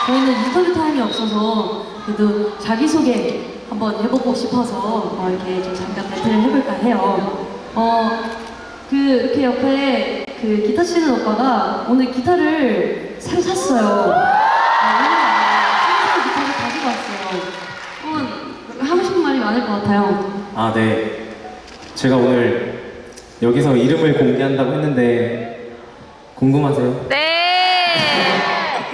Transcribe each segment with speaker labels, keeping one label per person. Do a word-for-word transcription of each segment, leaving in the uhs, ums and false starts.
Speaker 1: 저희는 인터뷰 타임이 없어서 그래도 자기소개 한번 해보고 싶어서 어, 이렇게 좀 잠깐 배틀을 해볼까 해요. 어, 그 이렇게 옆에 그 기타 치는 오빠가 오늘 기타를 새로 샀어요. 새로 기타를 가지고 왔어요. 한번 하고 싶은 말이 많을 것 같아요.
Speaker 2: 아, 네. 제가 오늘 여기서 이름을 공개한다고 했는데 궁금하세요?
Speaker 3: 네.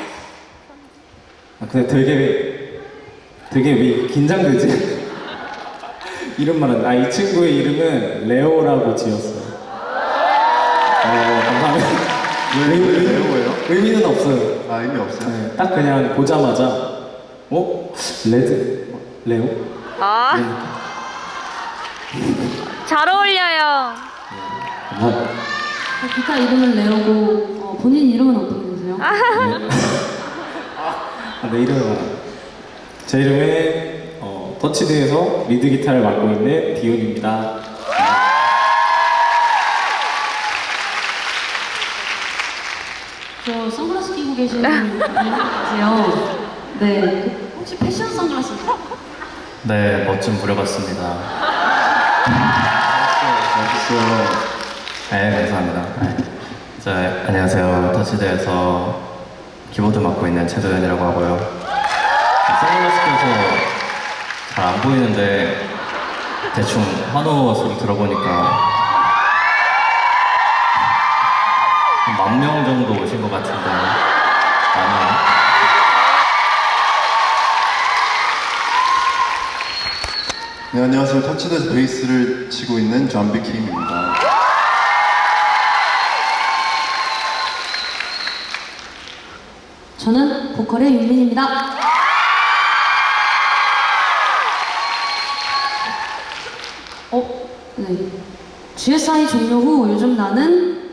Speaker 2: 아, 근데 되게 되게 왜 긴장되지? 이름 말은 아, 이 친구의 이름은 레오라고 지었어요. 어, 감사합니다.
Speaker 4: 왜, 왜 레오예요?
Speaker 2: 의미는 없어요.
Speaker 4: 아, 의미 없어요?
Speaker 2: 네, 딱 그냥 보자마자 어? 레드? 레오?
Speaker 3: 아, 잘 어울려요.
Speaker 2: 감사합니다.
Speaker 1: 어, 기타 이름은 레오고 어, 본인 이름은 어떻게 되세요?
Speaker 2: 아, 내 이름은 알아요. 제 이름은 어, 터치드에서 리드 기타를 맡고 있는 디온입니다.
Speaker 1: 저 선글라스 끼고 계신 분 계세요. 네, 그 혹시 패션 선글라스인가요?
Speaker 5: 네, 멋진 무려봤습니다.
Speaker 4: 멋있어요.
Speaker 5: 네, 감사합니다. 네. 자, 안녕하세요. 터치드에서 키보드 맡고 있는 최도현이라고 하고요. 선글라스 껴서 잘 안 보이는데 대충 환호 소리 들어보니까 만 명 정도 오신 것 같은데 아니요.
Speaker 4: 네, 안녕하세요. 터치드에서 베이스를 치고 있는 존비 킴입니다.
Speaker 1: 저는 보컬의 윤민입니다. 어, 네. 지에스아이 종료 후 요즘 나는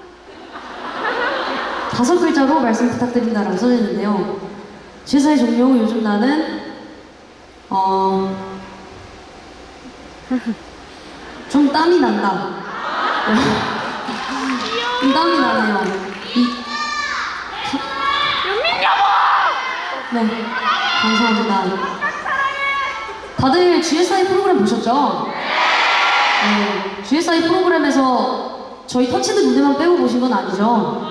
Speaker 1: 다섯 글자로 말씀 부탁드립니다라고 써있는데요. 지에스아이 종료 후 요즘 나는 어... 좀 땀이 난다. 좀 땀이 나네요. 이... 네, 감사합니다. 다들 지에스아이 프로그램 보셨죠? 네, 지에스아이 프로그램에서 저희 터치드 무대만 빼고 보신 건 아니죠?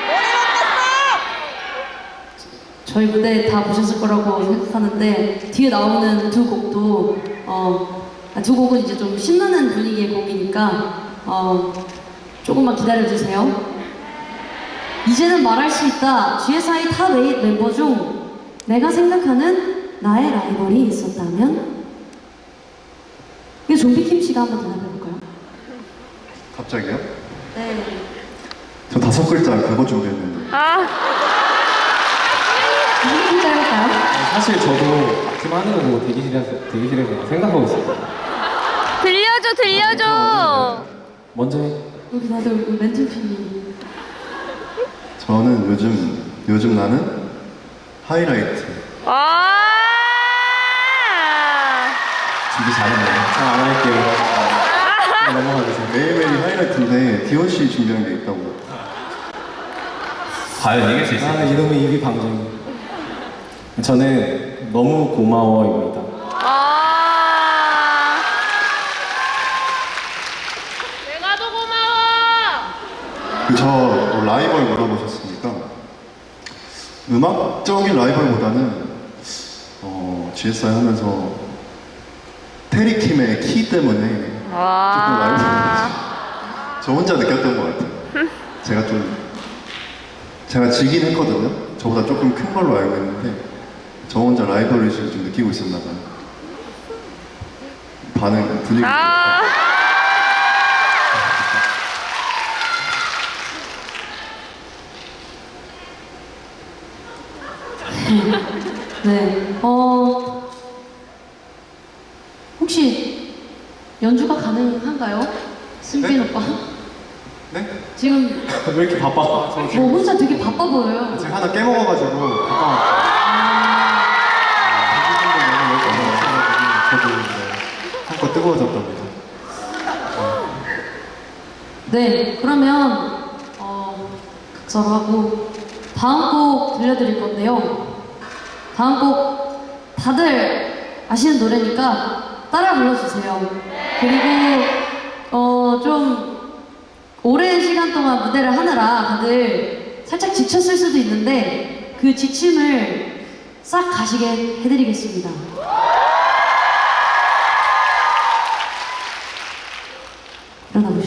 Speaker 1: 저희 무대 다 보셨을 거라고 생각하는데 뒤에 나오는 두 곡도 어, 두 곡은 이제 좀 신나는 분위기의 곡이니까 어, 조금만 기다려주세요. 이제는 말할 수 있다. 지에스아이 탑 에잇 멤버 중 내가 생각하는 나의 라이벌이 있었다면? 이거 좀비킴 씨가 한번 대답해볼까요?
Speaker 4: 갑자기요?
Speaker 1: 네.
Speaker 4: 저 다섯 글자 그거 준비했는데.
Speaker 3: 아,
Speaker 1: 무슨 글자 해볼까요?
Speaker 2: 사실 저도 아침 하는 거 보고 대기실에서, 대기실에서 생각하고 있어요.
Speaker 3: 들려줘, 들려줘.
Speaker 2: 먼저 해.
Speaker 1: 여기 다들 멘트핀이.
Speaker 4: 저는 요즘, 요즘 나는 하이라이트.
Speaker 3: 와.
Speaker 4: 준비 잘했네요.
Speaker 2: 자, 안 할게요. 아, 넘어가주세요.
Speaker 4: 매일매일 하이라이트인데 디온 씨 준비한 게 있다고.
Speaker 5: 과연 이길 수
Speaker 2: 아,
Speaker 5: 있을까요?
Speaker 2: 이놈의 입이 방정이. 저는 너무 고마워입니다.
Speaker 3: 아. 내가 더 고마워.
Speaker 4: 그 저 라이벌 물어보셨으니까 음악적인 라이벌보다는 어, 지에스아이 하면서 테리 팀의 키 때문에 조금 라이벌
Speaker 3: 와.
Speaker 4: 저 혼자 느꼈던 것 같아요. 제가 좀 제가 지긴 했거든요. 저보다 조금 큰 걸로 알고 있는데 저 혼자 라이벌의식을 좀 느끼고 있었나 봐요. 반응 분위기.
Speaker 3: 아.
Speaker 1: 네. 어. 혹시 연주가 가능한가요? 승빈
Speaker 4: 네?
Speaker 1: 오빠?
Speaker 4: 네?
Speaker 1: 지금
Speaker 2: 왜 이렇게 바빠? 저
Speaker 1: 뭐
Speaker 2: 지금
Speaker 1: 혼자 되게 바빠 보여요.
Speaker 4: 제가 하나 깨먹어가지고 잠깐만. 저도 이제 한껏 뜨거워졌답니다.
Speaker 1: 네, 그러면 어, 각서로 하고 다음 곡 들려드릴 건데요. 다음 곡 다들 아시는 노래니까 따라 불러주세요. 그리고 어, 좀 오랜 시간 동안 무대를 하느라 다들 살짝 지쳤을 수도 있는데 그 지침을 싹 가시게 해드리겠습니다. 일어나 보시죠.